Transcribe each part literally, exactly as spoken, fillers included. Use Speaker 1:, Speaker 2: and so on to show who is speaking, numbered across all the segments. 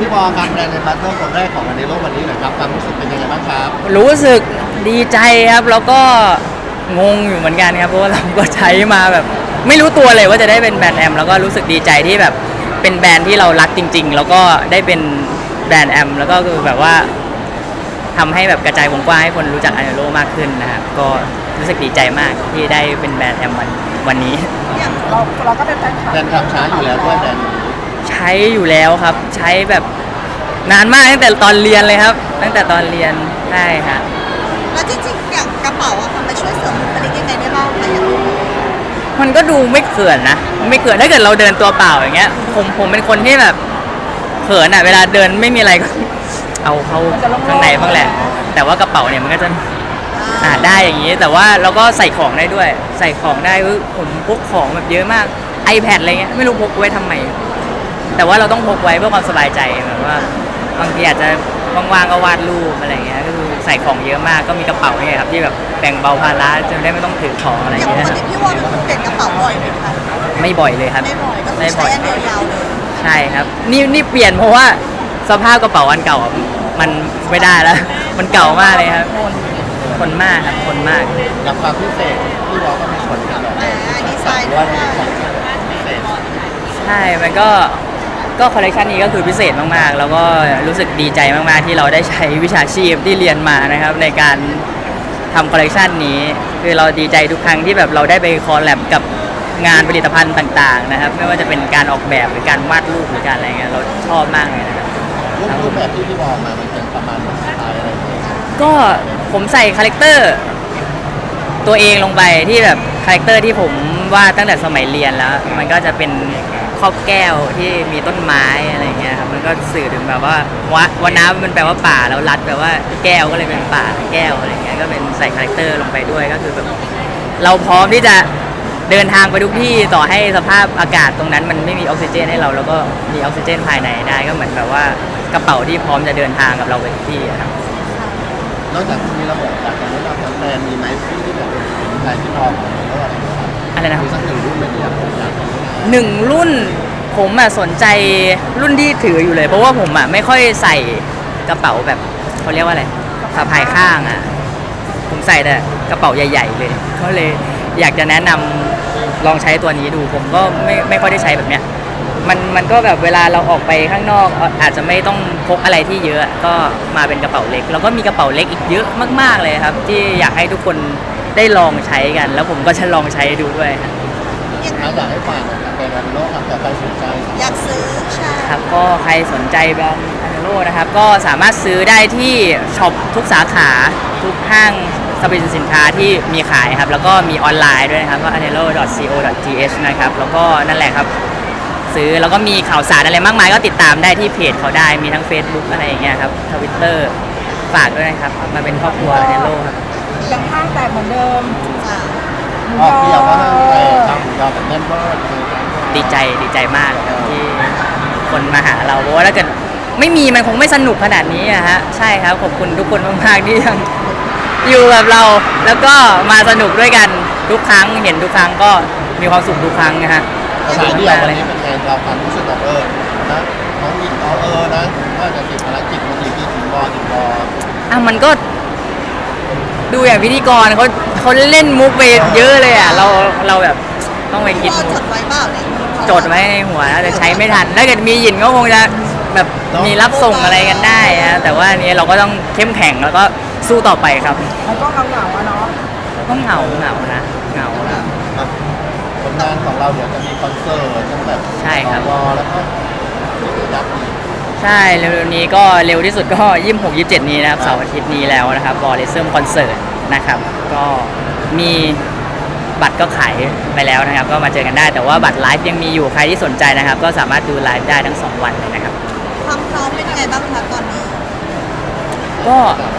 Speaker 1: พี่บอลครับแบรนด์ในบัตเตอร์คนแรกของวันในโลกวันนี้หน่อยครับความรู้สึกเป็นยังไงบ้างครับ
Speaker 2: รู้สึกดีใจครับแล้วก็งงอยู่เหมือนกันครับเพราะว่าเราก็ใช้มาแบบไม่รู้ตัวเลยว่าจะได้เป็นแบรนด์แอมแล้วก็รู้สึกดีใจที่แบบเป็นแบรนด์ที่เรารักจริงๆแล้วก็ได้เป็นแบรนด์แอมแล้วก็คือแบบว่าทำให้แบบกระจายวงกว้างให้คนรู้จักอาเนโรมากขึ้นนะครับก็รู้สึกดีใจมากที่ได้เป็นแบรนด์แอมวันวันนี้
Speaker 3: อย่างเราเราก็เป็นแฟนคลับ
Speaker 1: แบรนด์ทำช้าอยู่แล้วด้วยแบรนด์นี้
Speaker 2: ใช้อยู่แล้วครับใช้แบบนานมากตั้งแต่ตอนเรียนเลยครับ ตั้งแต่ตอนเรียนใช่ครับ
Speaker 3: แล้วจริงๆอย่างกระเป๋าอะค่ะมันช่วยเสริมบุคลิกยังไงได้บ้างคะอย่างนี้
Speaker 2: มันก็ดูไม่เขินนะไม่เขินถ้าเกิดเราเดินตัวเปล่าอย่างเงี้ยผมผมเป็นคนที่แบบเขินอ่ะเวลาเดินไม่มีอะไรก็เอาเข้าข้างในบ้างแหละแต่ว่ากระเป๋าเนี่ยมันก็จะอ่าได้อย่างนี้แต่ว่าเราก็ใส่ของได้ด้วยใส่ของได้ผมพกของแบบเยอะมาก iPad อะไรเงี้ยไม่รู้พกไว้ทำไมแต่ว่าเราต้องพกไว้เพื่อความสบายใจแบบว่าบางทีอาจจะว่างๆก็วาดรูปอะไรเงี้ยก็คือใส่ของเยอะมากก็มีกระเป๋าเนี่ยครับที่แบบแบ่งเบาภาระจะได้ไม่ต้องถือของอะไร
Speaker 3: อย่าง
Speaker 2: เงี้ย
Speaker 3: ปกติพี่วอลเป็นคนเปลี่ยนกระเป๋าบ่อยไหมคะ
Speaker 2: ไม่บ่อยเลยครับ
Speaker 3: ไม่บ่อยก็คือใช้อันเดียวยาวเลย
Speaker 2: ใช่ครับนี่นี่เปลี่ยนเพราะว่าสภาพกระเป๋าอันเก่ามันไม่ได้แล้วมันเก่ามากเลยครับทนมากครับทนมาก
Speaker 1: อย่างความพิเศษพี่บอลก็มีผลกันหรอ
Speaker 3: ดีไซน์ด้วย
Speaker 2: ใช่มันก็ก็คอลเลคชันนี้ก็คือพิเศษมากๆแล้วก็รู้สึกดีใจมากๆที่เราได้ใช้วิชาชีพที่เรียนมานะครับในการทำคอลเลคชันนี้คือเราดีใจทุกครั้งที่แบบเราได้ไปคอลแลบกับงานผลิตภัณฑ์ต่างๆนะครับไม่ว่าจะเป็นการออกแบบหรือการวาดรูปหรือการอะไรเงี้ยเราชอบมากเลยนะครับ
Speaker 1: รูปแบบที่พี่บอลมามันเป็นประมาณสไตล์อะไร
Speaker 2: ก็ผมใส่คาแรคเตอร์ตัวเองลงไปที่แบบคาแรคเตอร์ที่ผมวาดตั้งแต่สมัยเรียนแล้วมันก็จะเป็นครอบแก้วที่มีต้นไม้อะไรเงี้ยครับมันก็สื่อถึงแบบว่าวะวันน้ำมันแปลว่าป่าแล้วรัดแปลว่าแก้วก็เลยเป็นป่าแก้วอะไรเงี้ยก็เป็นใส่คาแรคเตอร์ลงไปด้วยก็คือแบบเราพร้อมที่จะเดินทางไปทุกที่ต่อให้สภาพอากาศตรงนั้นมันไม่มีออกซิเจนให้เราแล้วก็มีออกซิเจนภายในได้ก็เหมือนแบบว่ากระเป๋าที่พร้อมจะเดินทางกับเราไปทุกที่ครับ
Speaker 1: นอกจากมีระบบจากการรับแบรนด์มีไหมที่แบบเป็นสินค้าที่พอของเราอะไร
Speaker 2: อะไรนะ
Speaker 1: มีสักหนึ่งรุ่นเป็นอย่างผมอยาก
Speaker 2: หนึ่งรุ่นผมอ่ะสนใจรุ่นที่ถืออยู่เลยเพราะว่าผมอ่ะไม่ค่อยใส่กระเป๋าแบบเขาเรียกว่าอะไรสะพายข้างอ่ะผมใส่แต่กระเป๋าใหญ่ๆเลยก็เลยอยากจะแนะนำลองใช้ตัวนี้ดูผมก็ไม่ไม่ค่อยได้ใช้แบบเนี้ยมันมันก็แบบเวลาเราออกไปข้างนอกอาจจะไม่ต้องพกอะไรที่เยอะก็มาเป็นกระเป๋าเล็กแล้วก็มีกระเป๋าเล็กอีกเยอะมากๆเลยครับที่อยากให้ทุกคนได้ลองใช้กันแล้วผมก็จะลองใช้ดูด้วยครับ
Speaker 1: อยากให้ฝากเป็นวันโลกครับแต่ใครสนใจ
Speaker 3: อยากซื้อใช่
Speaker 2: ครับก็ใครสนใจแบรนด์อาเนโรนะครับก็สามารถซื้อได้ที่ช็อปทุกสาขาทุกห้างสรรพสินค้าที่มีขายครับแล้วก็มีออนไลน์ด้วยนะครับก็ anelo ดอท ซี โอ ดอท ที เอช นะครับแล้วก็นั่นแหละครับซื้อแล้วก็มีข่าวสารอะไรมากมายก็ติดตามได้ที่เพจเขาได้มีทั้ง Facebook อะไรอย่างเงี้ยครับ Twitter ฝากด้วยนะครับมาเป็นครอบครัว anelo ครับ
Speaker 3: ยังห้างแต่เหมือนเดิม
Speaker 1: อ๋อพี่อยากว่าแต่ทำยอมแบบแน่นมาก
Speaker 2: ดีใจดีใจมากที่คนมาหาเราเพราะว่าถ้าเกิดไม่มีมันคงไม่สนุกขนาดนี้อะฮะใช่ครับขอบคุณทุกคนมากๆที่ยังอยู่กับเราแล้วก็มาสนุกด้วยกันทุกครั้งเห็นทุกครั้งก็มีความสุขทุกครั้งนะฮะ
Speaker 1: สายเดียววันนี้เป็นไงเราความรู้สึกแบบเออนะน้องหญิงเอาเออนะว่าจะติดภารกิจมันดีพี่ถึงบอถึงบอ
Speaker 2: อ่ะมันก็ดูอย่างพิธีกรเขาเขาเล่นมุกไปเยอะเลยอ่ะเราเราแบบต้องไปคิด
Speaker 3: จดไว้เปล่าเนี่ย
Speaker 2: จดไว้ในหัวแต่ใช้ไม่ทันถ้าเกิดมีหยินก็คงจะแบบมีรับส่งอะไรกันได้นะแต่ว่านี้เราก็ต้องเข้มแข็งแล้วก็สู้ต่อไปครับ
Speaker 3: แล้วก็เหงาๆอะเนาะ
Speaker 2: ต้องเหงาเหงานะเหงานะ
Speaker 1: ผลงานของเราเดี๋ยวจะมีคอนเสิร์ตทั้งแบบ
Speaker 2: ใช่ครับ
Speaker 1: แล้วก็ยับ
Speaker 2: ใช่เร็วๆนี้ก็เร็วที่สุดก็ยี่สิบหก ยี่สิบเจ็ดนี้นะครับเสาร์อาทิตย์นี้แล้วนะครับบอลเลเซอร์คอนเสิร์ตนะครับก็มีบัตรก็ขายไปแล้วนะครับก็มาเจอกันได้แต่ว่าบัตรไลฟ์ยังมีอยู่ใครที่สนใจนะครับก็สามารถดูไลฟ์ได้ทั้งสองวันเลยนะครับ
Speaker 3: ความพร้อมเป็นยังไงบ้างคะตอนนี้
Speaker 2: ก็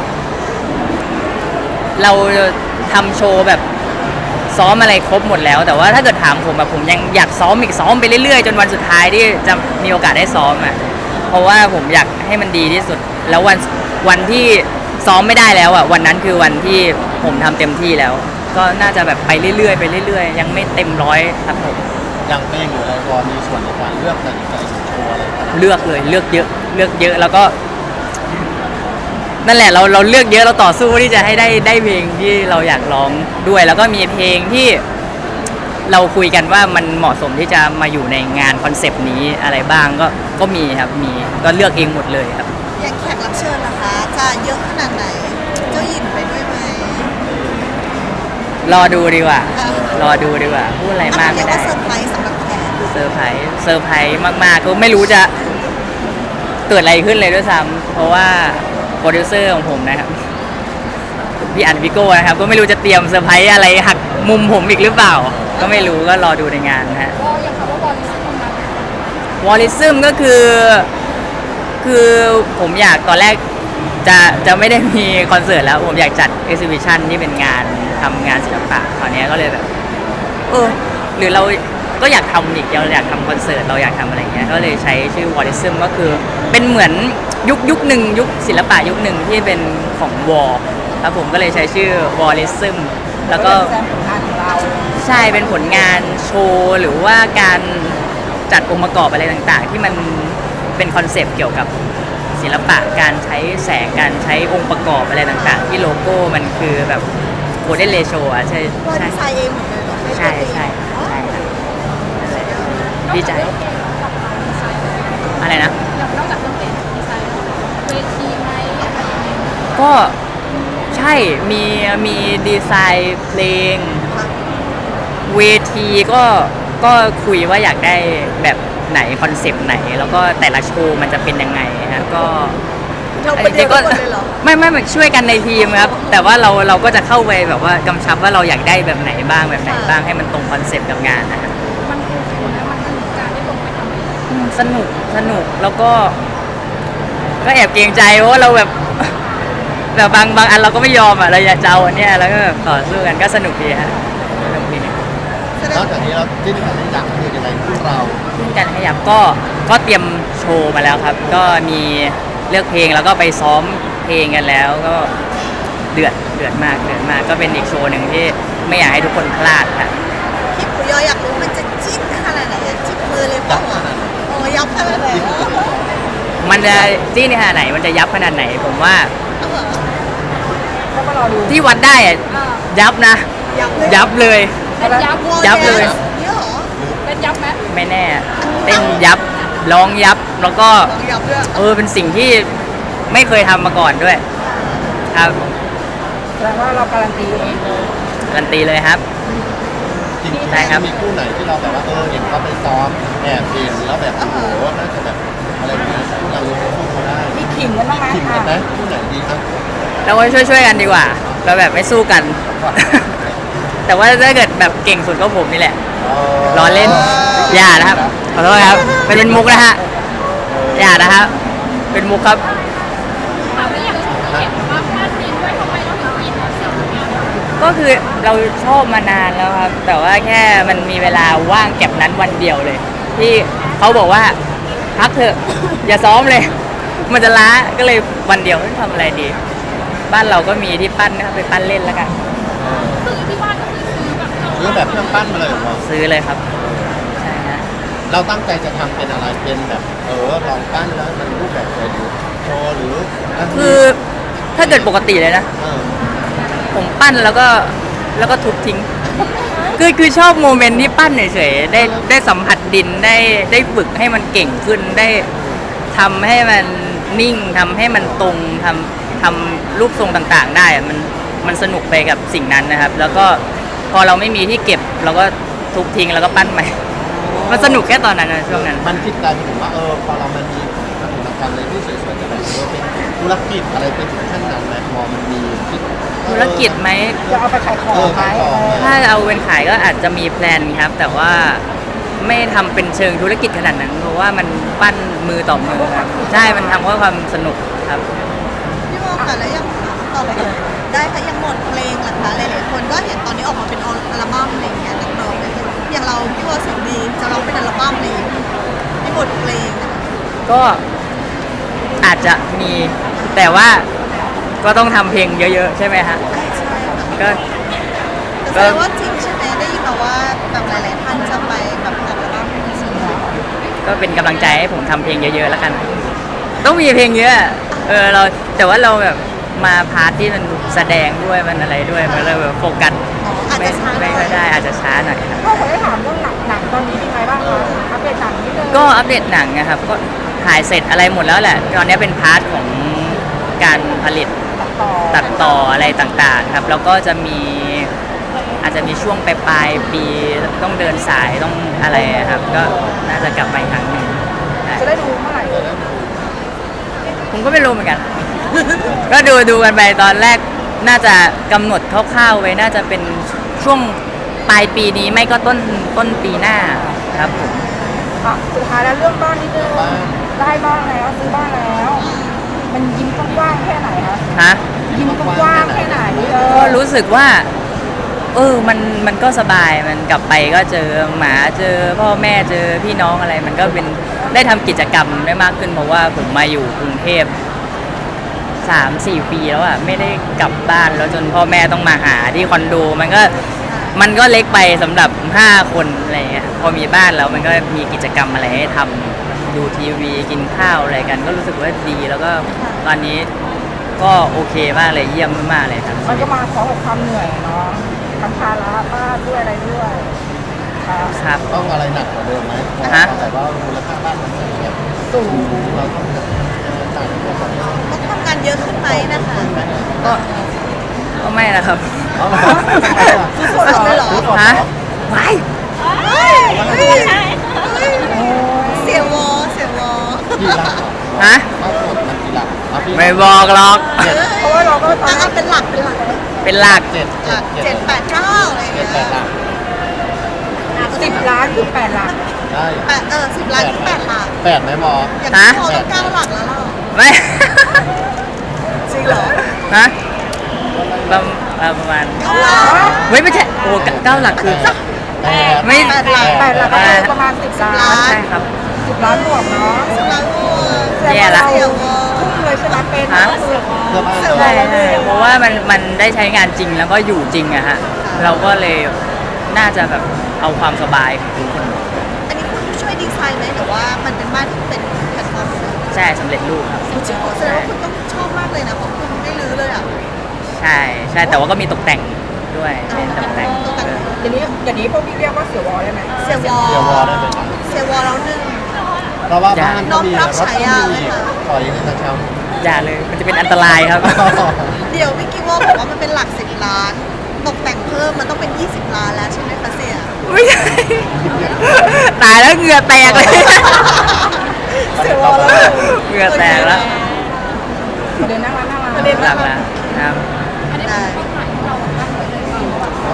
Speaker 2: เราทำโชว์แบบซ้อมอะไรครบหมดแล้วแต่ว่าถ้าเกิดถามผมแบบผมยังอยากซ้อมอีกซ้อมไปเรื่อยๆจนวันสุดท้ายที่จะมีโอกาสได้ซ้อมอ่ะเพราะว่าผมอยากให้มันดีที่สุดแล้ววันวันที่ซ้อมไม่ได้แล้วอ่ะวันนั้นคือวันที่ผมทำเต็มที่แล้วก็น่าจะแบบไปเรื่อยๆไปเรื่อยๆยังไม่เต็มร้อยครับผม
Speaker 1: ยังเพลงอยู่อะไรพอมีส่วนในการเลือกตัดสินใจโชว์อะไร
Speaker 2: เลือกเลยเลือกเยอะเลือกเยอะแล้วก็ นั่นแหละเราเราเลือกเยอะเราต่อสู้ที่จะให้ได้ได้เพลงที่เราอยากร้องด้วย แล้วก็มีเพลงที่เราคุยกันว่ามันเหมาะสมที่จะมาอยู่ในงานคอนเซปต์นี้อะไรบ้างก็ก็มีครับมีก็เลือกเองหมดเลยครับ
Speaker 3: อย่างแขกรับเชิญนะคะจะเยอะขนาดไหนเจ้าหญิงไปด้วยไหม
Speaker 2: รอดูดีกว่า
Speaker 3: อ่ะ
Speaker 2: รอดูดีกว่าพูดอะไรมาก
Speaker 3: เรี
Speaker 2: ไม่
Speaker 3: ยก
Speaker 2: ได้
Speaker 3: ว่าเซอร์ไพรส์สำหรับแขก
Speaker 2: เซอร์ไพรส์เซอร์ไพรส์มากๆก็ไม่รู้จะเกิดอะไรขึ้นเลยด้วยซ้ำเพราะว่าโปรดิวเซอร์ของผมนะครับพี่อันพี่โก้นะครับก็ไม่รู้จะเตรียมเซอร์ไพรส์อะไรหักมุมผมอีกหรือเปล่า ก็ไม่รู้ก็รอดูในงานนะฮะ
Speaker 4: ก็ยังคำว่าวอลลิซึมนะ
Speaker 2: วอลลิซึมก็คือคือผมอยากตอนแรกจะจะไม่ได้มีคอนเสิร์ตแล้วผมอยากจัดเอ็กซิบิชันที่เป็นงานทำงานศิลปะคราวนี้ก็เลยแบบเออหรือเราก็อยากทำอีกเราอยากทำคอนเสิร์ตเราอยากทำอะไรเงี้ยก็เลยใช้ชื่อวอลลิซึมก็คือเป็นเหมือนยุคยุคหนึ่งยุคศิลปะยุคหนึ่งที่เป็นของวอลครับผมก็เลยใช้ชื่อวอลลิซึมแล้วก็
Speaker 4: แซมผลงานของเรา
Speaker 2: ใช่เป็นผลงานโชว์หรือว่าการจัดองค์ประกอบอะไรต่างๆ ที่มันเป็นคอนเซปต์เกี่ยวกับศิลปะการใช้แสงการใช้องค์ประกอบอะไรต่างๆ ที่โลโก้มันคือแบบโ o เด n เลโชอ่ะใช่
Speaker 3: ว่า
Speaker 2: ใช่
Speaker 3: ดีไซน์เองหมดเลยเหรอไม่
Speaker 2: ใช่
Speaker 3: ตัวเอง
Speaker 2: ใช่
Speaker 3: อ๋อ
Speaker 2: ใช่ครับดีใจอะไรนะ
Speaker 4: อย่างนอกจากเรื่องเพลงดีไซน์เวทีไหมอะไรยังไง
Speaker 2: ก็ใช่มีมีดีไซน์เพลง เวทีก็ก็คุยว่าอยากได้แบบไหนคอนเซปต์ไหน แล้วก็แต่ละโชว์มันจะเป็นยังไงฮะก็
Speaker 3: เราคนเดียวกันหมดเลยเหรอ
Speaker 2: ไม่ไม่ไม่ช่วยกันในทีมครับ แต่ว่าเราเราก็จะเข้าไปแบบว่ากำชับว่าเราอยากได้แบบไหนบ้างแบบไหนบ้างให้มันตรงคอนเซปต์กับงานนะฮะ
Speaker 4: มันคือฟิลนะมันคือการได้ลงไปทำเอง
Speaker 2: อืมสนุกสนุกแล้วก็ ก็แอบเกรงใจเพราะว่าเราแบบ แบบบางบางอันเราก็ไม่ยอมอ่ะเราอยากจะเอาอันเนี้ยแล้วก็แบบต่อสู้กันก็สนุกดีฮะสนุกดี
Speaker 3: แสด
Speaker 1: น
Speaker 3: ง
Speaker 1: อกจากนี้เราจิ้นกันได้ยังคือยังไงพวกเรา
Speaker 2: ขึ้นกันขยับก็ก็เตรียมโชว์มาแล้วครับ ก็มีเลือกเพลงแล้วก็ไปซ้อมเพลงกันแล้วก็เดือดเดือดมากเดือดมากก็เป็นอีกโชว์หนึ่งที่ไม่อยากให้ทุกคนพลาดค่ะ
Speaker 3: พี่ปุยอยอยากรู้มันจะจิ้นขนาดไหนอะจิ้มมือเลยเปล่าอ่ะโอ้ยับขนาดไหนอะ
Speaker 2: มันจะจี้ในขนาดไหนมันจะยับขนาดไหน ผมว่า
Speaker 3: เอาเหรอ
Speaker 4: แล้วก็รอดู
Speaker 2: ที่วัดได้อะ
Speaker 4: อ่า
Speaker 2: ยับนะ
Speaker 3: ยับเลย
Speaker 2: ยับเลย
Speaker 4: เป็นยับ
Speaker 3: วอ
Speaker 2: ยับเลย
Speaker 3: แดนซ์เนี่ยเหรอ
Speaker 4: เป็นยับไหม
Speaker 2: ไม่แน่เต้นยับร้องยับแล้วก็
Speaker 3: ลองยับด้วย
Speaker 2: เออเป็นสิ่งที่ไม่เคยทำมาก่อนด้วย ครับ
Speaker 4: แสดงว่าเราการันตีเองเลย
Speaker 2: การันตีเลยครับ
Speaker 1: จริงๆ
Speaker 2: ใช่ครับ
Speaker 1: มีคู่ไหนที่เราแบบว่าเออเห็นเขาไปซ้อมแอบเห็นแล้วแบบโอ้โหน่าจะแบบอะไรอย่างเงี้ยเราสู้เขาได้
Speaker 4: มีขิงกันบ้างไหม
Speaker 1: คิมกันไหมคู่ไหนดีครับ
Speaker 2: เราก็ช่วยช่วยๆกันดีกว่า เราแบบไม่สู้กัน แต่ว่าถ้าเกิดแบบเก่งสุดก็ผมนี่แหละ รอเล่น อย่านะครับ ขอโทษครับ เป็นเป็นมุกนะฮะ อย่านะครับ เป็นมุกครับ
Speaker 4: ถามว่าอย่างที่เห็นว่าพลาดดินด้วยทำไมเราถึงอินกับสิ่งนี้
Speaker 2: ก็คือเราชอบมานานแล้วครับ แต่ว่าแค่มันมีเวลาว่างแก็บนั้นวันเดียวเลย ที่เขาบอกว่าพักเถอะ อย่าซ้อมเลย มันจะล้าก็เลยวันเดียวทำอะไรดี บ้านเราก็มีที่ปั้นนะครับไปปั้นเล่นแล้วกัน
Speaker 4: คือที่บ้านก็คือซื้อแบบเรา
Speaker 1: ซื้อแบบเครื่องปั้นมาเลยเหรอ
Speaker 2: ซื้อเลยครับใช่ฮะ
Speaker 1: เราตั้งใจจะทำเป็นอะไรเป็นแบบเออลองปั้นแล้วมันรูปแบบไหนหรือโชว์หรืออันนี้
Speaker 2: คือถ้าเกิดปกติเลยนะ
Speaker 1: เออ
Speaker 2: ผมปั้นแล้วก็แล้วก็ทุบทิ้ง คือคือชอบโมเมนต์ที่ปั้นเฉยๆได้ได้สัมผัสดินได้ได้ฝึกให้มันเก่งขึ้นได้ทำให้มันนิ่งทำให้มันตรงทำทำรูปทรงต่างๆ ได้อะมันมันสนุกไปกับสิ่งนั้นนะครับ แล้วก็พอเราไม่มีที่เก็บเราก็ทุบทิ้งแล้วก็ปั้นใหม่ มันสนุกแค่ตอนนั้นนะช่วงนั้น
Speaker 1: มันคิดกลายเป็นว่าเออพอเรามันมีวัตถุกรรมอะไรที่สวยๆจะแบบเออเป็นธุรกิจอะไรไปถึงขั้นนั้นไหมพอมันมีคิด
Speaker 2: ธุรกิจไหม
Speaker 4: จะเอาไปขายของ
Speaker 1: เออ
Speaker 4: ไหม
Speaker 1: ขายของ
Speaker 2: ถ้าเอาเป็นขายก็อาจจะมีแพลนครับ แต่ว่าไม่ทำเป็นเชิงธุรกิจขนาดนั้น เพราะว่ามันปั้นมือต่อมือครับใช่มันทำเพื่อความสนุกครับ
Speaker 3: พี่โมค่ะแล้วยังต่อไปเลยได้ค่ะยังหมดเพลงเหรอคะหลายๆคนก็เห็นตอนนี้ออกมาเป็นอัลบั้มอะไรอย่างเงี้ยนักร้องเลยอย่างเราพี่โมเสียงดีจะร้องเป็นอัลบั้มเลยไม่หมดเพลงนะคะ
Speaker 2: ก็อาจจะมีแต่ว่าก็ต้องทำเพลงเยอะๆ ใช่ไหมฮะ
Speaker 3: ใช่ค่ะ
Speaker 2: ก็
Speaker 3: แต่แสดงว่าจริงใช่ไหมได้ยินมาว่าแบบหลายๆท่านจะไปแบบอัลบั้มส่วนใหญ่
Speaker 2: ก็เป็นกำลังใจให้ผมทำเพลงเยอะๆแล้วกัน ต้องมีเพลงเยอะเออเราแต่ว่าเราแบบมาพาร์ทที่มันแสดงด้วยมันอะไรด้วยมันเลยแบบโฟกัส
Speaker 3: อ๋ออาจ
Speaker 2: ไม่
Speaker 3: จะช้าหน่
Speaker 2: ไม่
Speaker 3: อย
Speaker 2: ค่อยได้อาจจะช้าหน่อยครับ
Speaker 5: พ่อขอได้ถามเรื่องหนังหนังตอนนี้เป็นไงบ้างคะอัปเดตหนังนิดนึง
Speaker 2: ก็อัปเดตหนังนะครับก็ถ่ายเสร็จอะไรหมดแล้วแหละตอนนี้เป็นพาร์ทของการผลิต
Speaker 5: ตัดต่อ
Speaker 2: ตัดต่ออะไรต่างๆครับแล้วก็จะมีอาจจะมีช่วงปลายๆปีต้องเดินสายต้องอะไรครับ ก็น่าจะกลับมาอีกครั้งหนึ่งใช่
Speaker 5: จะได้ดูเมื่อไหร่
Speaker 2: ผมก็ไม่รู้เหมือนกัน ก็ดูดูกันไปตอนแรกน่าจะกำหนดคร่าวๆไว้น่าจะเป็นช่วงปลายปีนี้ไม่ก็ต้นต้นปีหน้าครับผม
Speaker 5: อ่ะสุดท้ายแล้วเรื่องบ้านนิดนึงได้บ้านแล้วซื้อบ้านแล้ว มันยิ้มกว้างๆแค่ไหนคะ
Speaker 2: ฮะ
Speaker 5: ยิ้มกว้างๆแค่ไหนเอ
Speaker 2: ก็
Speaker 5: อ
Speaker 2: รู้สึกว่า เออมันมันก็สบายมันกลับไปก็เจอหมาเจอพ่อแม่เจอพี่น้องอะไร มันก็เป็นได้ทำกิจกรรมได้มากขึ้นเพราะว่าผมมาอยู่กรุงเทพสามสี่ปีแล้วอะไม่ได้กลับบ้านแล้วจนพ่อแม่ต้องมาหาที่คอนโดมันก็มันก็เล็กไปสำหรับห้าคนอะไรเงี้ยพอมีบ้านแล้วมันก็มีกิจกรรมอะไรให้ทำดูทีวีกินข้าวอะไรกัน ก็รู้สึกว่าดีแล้วก็ตอนนี้ก็โอเคมากเลยเยี่ยมมากๆเลยครับ
Speaker 5: มันก็มาพร้อมกับความเหนื่อยเนาะทั้งภาระบ้านด้วยอะไรด้วยครับ
Speaker 2: ครับ
Speaker 1: ต้องอะไรหนักกว่าเดิมไหม
Speaker 2: ฮะ
Speaker 1: แต่ว่ามูลค่าบ้านมันอย่างเงี้ย
Speaker 5: สูง
Speaker 1: เราต้องจ่ายตัวก่อน
Speaker 3: ต้องทำงานเยอะขึ้นไหมนะคะ
Speaker 2: ก็ก็ไม่นะครับ
Speaker 1: เอามา
Speaker 3: สุดๆเลยเหรอ
Speaker 2: ฮะว้าย
Speaker 3: เฮ้ยเฮ้ยเฮ้ยเสียวอเสียวอ
Speaker 1: กี่หลักเหรอ
Speaker 2: ฮะ
Speaker 1: ถ้ากดมันกี่หลักเอาพี่
Speaker 2: ไม่บอกหรอก
Speaker 1: เจ็ด
Speaker 5: เพราะว่าเราก็ตอน
Speaker 3: อ่ะเป็นหลักเป็นหลัก
Speaker 2: เป็นหลัก
Speaker 1: เจ็ด
Speaker 3: หลักเจ็ดแปดเก้าอะไรอย่าง
Speaker 1: เจ็
Speaker 3: เงี้
Speaker 1: ด
Speaker 3: ย
Speaker 1: แปดหลัก
Speaker 5: สิบล้านคือแปดหลัก
Speaker 1: ได้
Speaker 3: แปดเออสิบล้านถึงแปดหลัก
Speaker 1: แปดไหมบอ
Speaker 3: อย่างที่พอต้องเก้าหลักแล้วเรา
Speaker 2: ไม่
Speaker 3: จริงเหรอ
Speaker 2: ฮะประมาณประมาณ
Speaker 3: เก้าหลัก
Speaker 2: เฮ้ยไม่ใช่โอ้เก้าเก้าหลักคือ
Speaker 1: แปด
Speaker 2: ไม่
Speaker 3: แปดหลัก
Speaker 5: แปดหลักก็คือประมาณสิบล้าน
Speaker 2: ใช่ครับ
Speaker 5: สิบล้านบวกเนาะ
Speaker 3: สิบล้านโอ้
Speaker 2: แย่ละ
Speaker 3: เสียวอ
Speaker 5: ทุ่มเลยใช่ไหมเป็น
Speaker 2: ฮะ
Speaker 5: เสือก
Speaker 1: เสื้อผ้า
Speaker 3: เสื้อผ้
Speaker 2: ใช่ใช่เพราะว่ามันมันได้ใช้งานจริงแล้วก็อยู่จริงอะฮะเราก็เลยน่าจะแบบเอาความสบายของทุกคน
Speaker 3: อันนี้คุณช่วยดีไซน์ไหมหรือว่ามันเป็นบ้านที่เป็นแพลตฟอร์มเลย
Speaker 2: ใช่สำเร็จรูปครับ
Speaker 3: จริงๆแสดงว่าคุณต้องชอบมากเลยนะเพราะคุณไม่รื้อเลยอ่ะ
Speaker 2: ใช่ใช่แต่ว่าก็มีตกแต่งด้วยเน้นตกแต่ง
Speaker 3: ตกแต่ง
Speaker 5: อย่างนี้อย่างนี้พวกพี่เรียกว่าเสือวอลได้ไหม
Speaker 3: เสียวอ
Speaker 1: เดี๋ยววอได้เลย
Speaker 3: เสียวอแล้วหนึ่ง
Speaker 1: เพราะว่าบ้านก็มี
Speaker 3: น้องรับ
Speaker 1: รถ
Speaker 3: ฉา
Speaker 1: ก็
Speaker 3: ยา
Speaker 1: มี
Speaker 3: ไหมคะ
Speaker 1: ขอยังไงนะเช้า
Speaker 2: อย่าเลยมันจะเป็นอันตรายครับ
Speaker 3: เดี๋ยวพี่กิวว่าบอกว่ามันเป็นหลักสิบล้าน ตกแต่งเพิ่มมันต้องเป็นยี่สิบล้านแล้วใช่ไหมคะเสีย
Speaker 2: ไม่ใช่ตายแล้วเหงื่อแตกเลย
Speaker 3: เสียวอแล้ว
Speaker 2: เหงื่อแตกแล้ว
Speaker 5: ประเด็นนั่งร้านนั่งร้าน
Speaker 3: ประเด็น
Speaker 2: หลักแล้วครับ
Speaker 4: อันนี้เป็นเป้าหมายที่เราตั้งไว้เลยว่า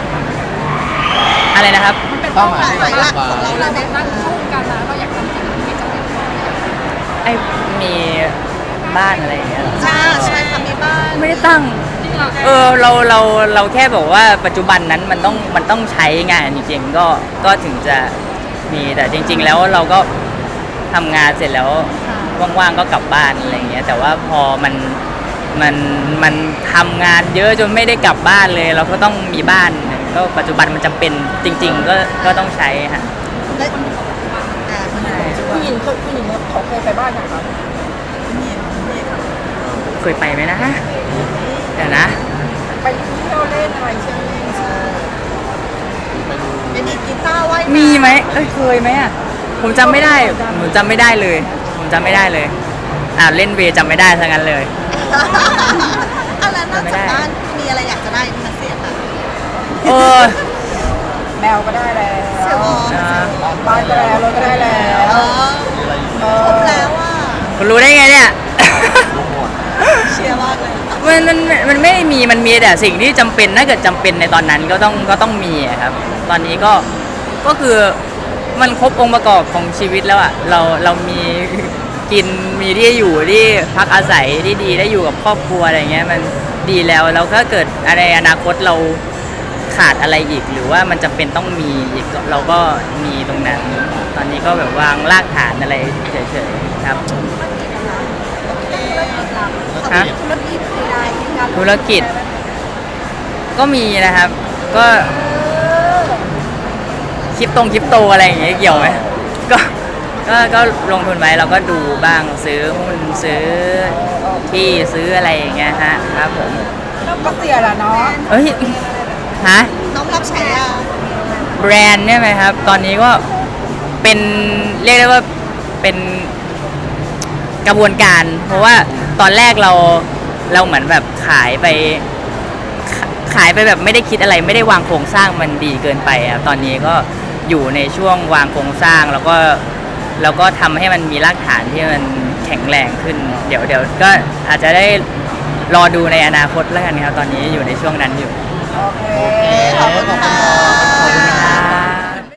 Speaker 2: อะไรนะครับ
Speaker 4: มันเป็น
Speaker 1: เป้า
Speaker 4: เป้า
Speaker 1: ห
Speaker 4: ห
Speaker 1: มาม
Speaker 4: าย ย
Speaker 1: หลัก
Speaker 3: ของเรา
Speaker 4: ที่เราแบบตั้งสู้กันนะเราอยากทำสิ่งที่จะเป็น
Speaker 2: ไอ้มีบ้านอะไรอย่างเงี้ยเหรอ
Speaker 3: ใช่ใช่ค่ะมีบ้าน
Speaker 2: ไม่ได้ตั้ง
Speaker 4: จริงเหรอ
Speaker 2: เออเราเราเราแค่บอกว่าปัจจุบันนั้นมันต้องมันต้องใช้งานจริงๆก็ก็ถึงจะมีแต่จริง ๆ แล้วเราก็ทำงานเสร็จแล้วว่างๆก็กลับบ้านอะไรอย่างเงี้ยแต่ว่าพอมันมันมันทำงานเยอะจนไม่ได้กลับบ้านเลย เราก็ต้องมีบ้านก็ปัจจุบันมันจำเป็นจริง ๆ ก็ก็ต้องใช้ฮะ
Speaker 3: และอ่ามัน
Speaker 5: ผู้หญิงเคยผู้หญิงเขาเคยไปบ้านนะครับ
Speaker 3: มีมี
Speaker 2: เคยไปไหมนะเดี๋ยวนะ
Speaker 5: ไปเที่ยวเล่นอะไรใช่ไหม
Speaker 3: เป็นอีกกีตาร์ไว้
Speaker 2: มีไหมเอ้ยเคยไหมอ่ะผมจำไม่ได้ผมจำไม่ได้เลย ผมจำไม่ได้เลยอ่าเล่นเวย์จำไม่ได้ทั้งนั้นเลย
Speaker 3: อะไรนอกจากบ้านมีอะไรอยากจะได้ไหมคะเสียค่ะ
Speaker 2: เออ
Speaker 5: แมวก็ได้แล้ว
Speaker 3: เสียวอ
Speaker 2: นะ
Speaker 5: บ้านก็ได้แล้วรถก็ได้แล้ว
Speaker 3: เออ
Speaker 5: เอ
Speaker 3: คร
Speaker 5: อบ
Speaker 3: แล้วอ่ะ
Speaker 2: คุณรู้ได้ไงเนี่ย
Speaker 3: เชียร์มากเลย
Speaker 2: มันมันมันไม่มีมันมีแต่สิ่งที่จำเป็นถ้าเกิดจำเป็นในตอนนั้นก็ต้องก็ต้องมีอะครับ ตอนนี้ก็ก็คือมันครบองค์ประกอบของชีวิตแล้วอ่ะเราเรามีกินมีที่อยู่ที่พักอาศัยที่ดีได้อยู่กับครอบครัวอะไรเงี้ยมันดีแล้วแล้วถ้าเกิดในอนาคตเราขาดอะไรอีก หรือว่ามันจำเป็นต้องมีอีกเราก็มีตรงนั้น ตอนนี้ก็แบบวางรากฐานอะไรเฉยๆครับ ฮะ
Speaker 3: ธุรกิจใดๆงาน
Speaker 2: ธุรกิจก็มีนะครับ ก็คริปตงคริปโตอะไรอย่างเงี้ยเกี่ยวไหมก็ก็ก็ลงทุนไว้เราก็ดูบ้างซื้อหุ้นซื้อที่ซื้ออะไรอย่างเงี้ยฮะครับผม
Speaker 5: ก็เสียแหละเนาะ
Speaker 2: เอ้ยฮะ
Speaker 3: น้องรับฉายา
Speaker 2: แบรนด์เนี่ยไหมครับ ตอนนี้ก็เป็นเรียกได้ว่าเป็นกระบวนการ เพราะว่าตอนแรกเราเราเหมือนแบบขายไปขาขายไปแบบไม่ได้คิดอะไรไม่ได้วางโครงสร้างมันดีเกินไปครับตอนนี้ก็อยู่ในช่วงวางโครงสร้างแล้วก็แล้วก็ทำให้มันมีรากฐานที่มันแข็งแรงขึ้น เดี๋ยวเดี๋ยวก็อาจจะได้รอดูในอนาคตแล้วกันครับตอนนี้อยู่ในช่วงนั้นอยู่
Speaker 5: โอเค
Speaker 1: ขอบคุณค่ะ